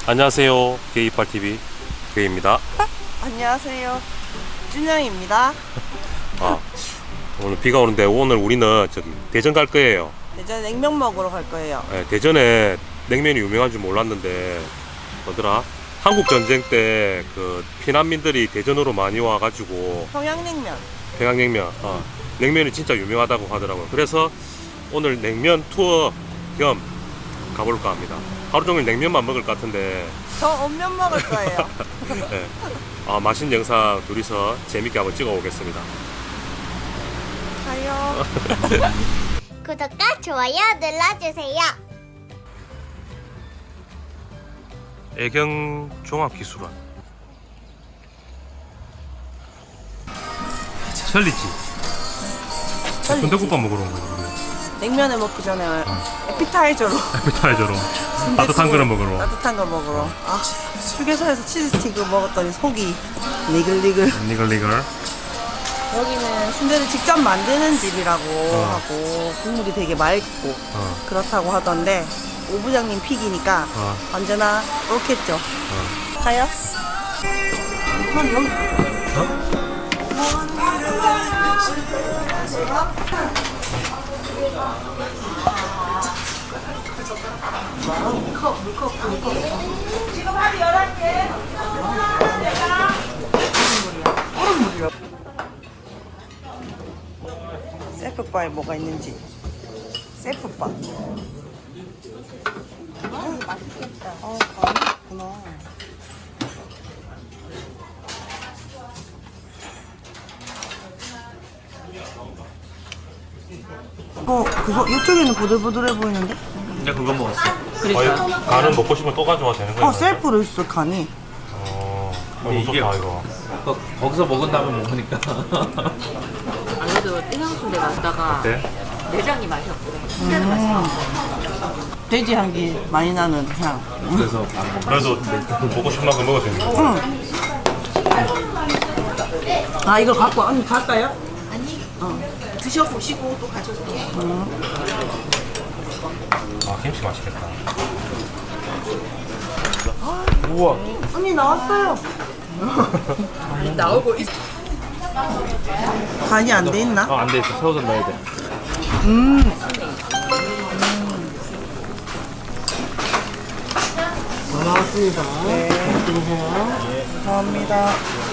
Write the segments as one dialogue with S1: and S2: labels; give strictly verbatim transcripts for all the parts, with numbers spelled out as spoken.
S1: 안녕하세요. 게이팔티비 게이입니다.
S2: 안녕하세요. 준영입니다.
S1: 아, 오늘 비가 오는데 오늘 우리는 저기 대전 갈 거예요.
S2: 대전 냉면 먹으러 갈 거예요.
S1: 네, 대전에 냉면이 유명한 줄 몰랐는데 뭐더라? 한국 전쟁 때 그 피난민들이 대전으로 많이 와가지고
S2: 평양냉면.
S1: 평양냉면, 어, 냉면이 진짜 유명하다고 하더라고요. 그래서 오늘 냉면 투어 겸 가볼까 합니다. 하루 종일 냉면만 먹을 것 같은데
S2: 저 온면 먹을 거예요.
S1: 네. 아, 맛있는 영상 둘이서 재밌게 한번 찍어 오겠습니다.
S2: 가요.
S3: 구독과 좋아요 눌러주세요.
S1: 애경 종합기술원 설리지 군대국밥 먹으러 온 거예요.
S2: 냉면을 먹기 전에 에피타이저로
S1: 에피타이저로 따뜻한 거를 먹으러.
S2: 따뜻한 걸 먹으러. 아, 휴게소에서 치즈스틱을 먹었더니 속이 니글니글.
S1: 니글니글.
S2: 여기는 순대를 직접 만드는 집이라고
S1: 어.
S2: 하고 국물이 되게 맑고
S1: 어,
S2: 그렇다고 하던데 오 부장님 픽이니까
S1: 어,
S2: 언제나 옳겠죠.
S1: 어.
S2: 가요. 한 여기. 물컵, 물컵, 물컵. 지금 한 열한 개. 얼음 물이야. 셀프바에 뭐가 있는지. 셀프바. 아, 맛있겠다. 아, 가위 있구나. 어, 그거 이쪽에는 보들보들해 보이는데?
S1: 근데 그거 먹었어. 그러니까. 간은 먹고 싶으면 또 가져와도 되는 거야?
S2: 어, 셀프로 있어, 간이.
S1: 어,
S4: 근데
S1: 이게
S4: 이게-
S1: 좋다 이거.
S4: 거, 거기서 먹은 다음에 먹으니까
S5: 안 그래도 땡양순대 갔다가
S1: 어때?
S5: 내장이 맛이 없더래. 순대도 맛있어.
S2: 돼지 향기 많이 나는 향.
S4: 그래서 안 먹어.
S1: 그래도 먹고 싶은 만큼 먹어도 되는 거.
S2: 응. 아, 이거 갖고, 와. 언니 갈까요?
S5: 드셔보시고 또 가져올게요.
S1: 아, 김치 맛있겠다.
S4: 우와.
S2: 언니 나왔어요.
S5: 나오고 있어.
S2: 간이 안 돼 있나?
S4: 어, 안 돼 있어. 새우젓 넣어야 돼.
S2: 음.
S5: 나왔습니다.
S2: 네. 감사합니다.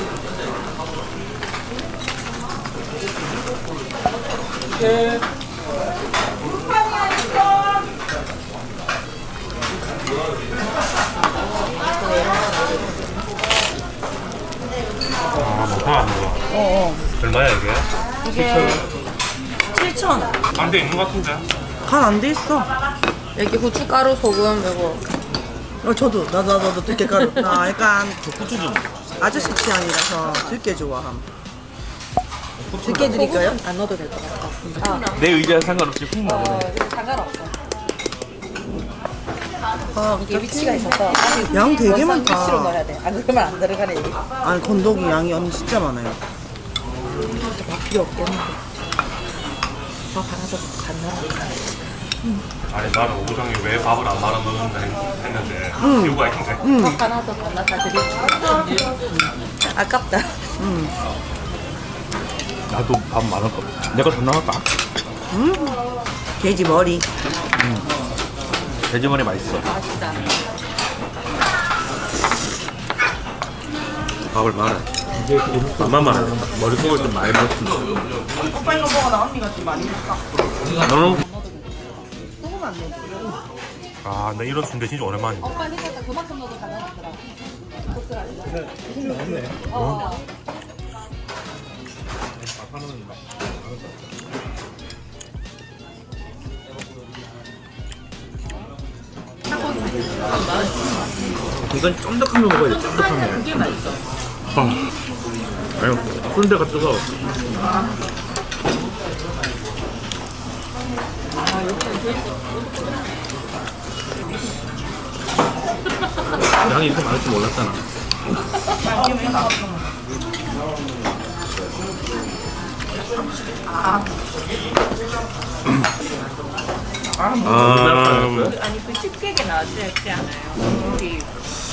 S1: 아, 먹방 안 먹어.
S2: 어, 어.
S1: 얼마야 이게?
S2: 이게 칠천.
S1: 안돼 있는 것 같은데?
S2: 간 안 돼 있어.
S5: 여기 후춧가루, 소금, 이거.
S2: 어, 저도 나도 나도 들깨 가루. 나 약간 아저씨 취향이라서 들깨 좋아함. 들깨 드릴까요?
S5: 안 넣어도 될 것 같아.
S4: 내 의지와 상관없이 훅
S5: 어,
S4: 나오네.
S5: 이거 상관없어.
S2: 아,
S5: 이게 위치가 있어서 아주
S2: 양 되게
S5: 원상
S2: 많다.
S5: 위치로 넣어야 돼. 안 그러면 안 들어가네. 이게.
S2: 아니 건더기 양이 언니 진짜 많아요.
S5: 밥 필요 없겠는데. 밥 하나 더 간단하게.
S1: 아니 나는 오부장이 왜 밥을 안 말아 먹는다 했- 했는데 이유가 있는데.
S5: 밥 하나 더 간단하게 드릴게요. 아깝다.
S2: 음.
S4: 나도 밥 많을 거 없어. 내가 더 나갈까?
S2: 돼지 머리.
S4: 돼지머리 맛있어.
S5: 맛있다.
S1: 밥을 말아. 밥만 말아.
S4: 머릿속을 좀 많이 먹었습니다.
S2: 오빠 이거 먹어 나 언니가 좀 많이 먹까.
S4: 너는
S2: 소금 안 돼.
S1: 아, 나 이런 순대 진짜 오랜만이다.
S5: 오빠 생각보다 그만큼 넣어도 가능하더라.
S4: 이건 쫀득하면 먹어야 돼. 쫀득하면.
S5: 그게 맛있어.
S4: 어. 아니, 순대가 뜨거워. 양이 이렇게 많을 줄 몰랐잖아.
S1: 아,
S5: 아니 그 식객에 나왔지 않아요? 우리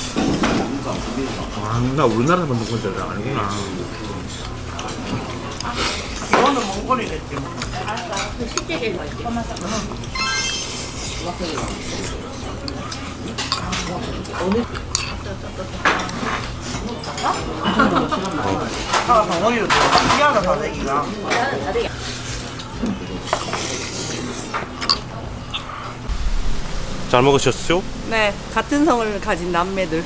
S4: 아, 나 우리나라에서 만든 건줄 아니구나.
S2: 이거는 몽골이겠지. 아, 덩어리로 미안하다, 다대기가.
S1: 잘 먹으셨어요?
S2: 네, 같은 성을 가진 남매들.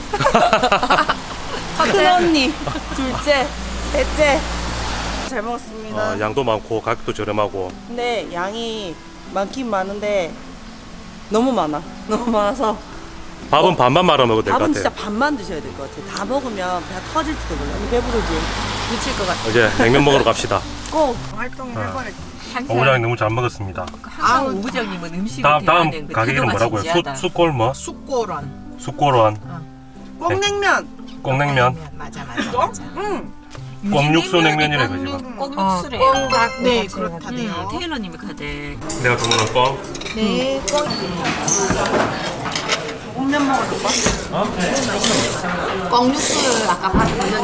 S2: 큰 언니, 둘째, 셋째. 잘 먹었습니다.
S1: 어, 양도 많고 가격도 저렴하고.
S2: 근데 양이 많긴 많은데 너무 많아. 너무 많아서
S1: 밥은 반만 말아 먹어도 될 것
S2: 밥은
S1: 같아요.
S2: 진짜 반만 드셔야 될 것 같아. 다 먹으면 배가 터질지도 몰라. 배부르지? 미칠 것 같아.
S1: 이제 냉면 먹으러 갑시다.
S2: 꼭 활동을 해버려.
S1: 오부장님 너무 잘 먹었습니다.
S5: 항상 오부장님은 음식을
S1: 다음 다음
S5: 대하는 그
S1: 가게 이름
S5: 태도가
S1: 뭐라고요?
S5: 진지하다.
S1: 수 숯골 뭐?
S2: 쑥고런.
S1: 숯골원
S2: 꽁냉면.
S1: 꽁냉면.
S5: 맞아 맞아 맞아.
S2: 응.
S1: 꽁육수 냉면이래 그 지금.
S5: 꽁육수래.
S2: 꽁닭. 네, 그렇다네요.
S5: 응, 테일러님이 가대.
S1: 내가 주문한 꽁.
S2: 네, 꽁. 꽁면 먹어줄까?
S5: 꽁육수를 아까 봤는데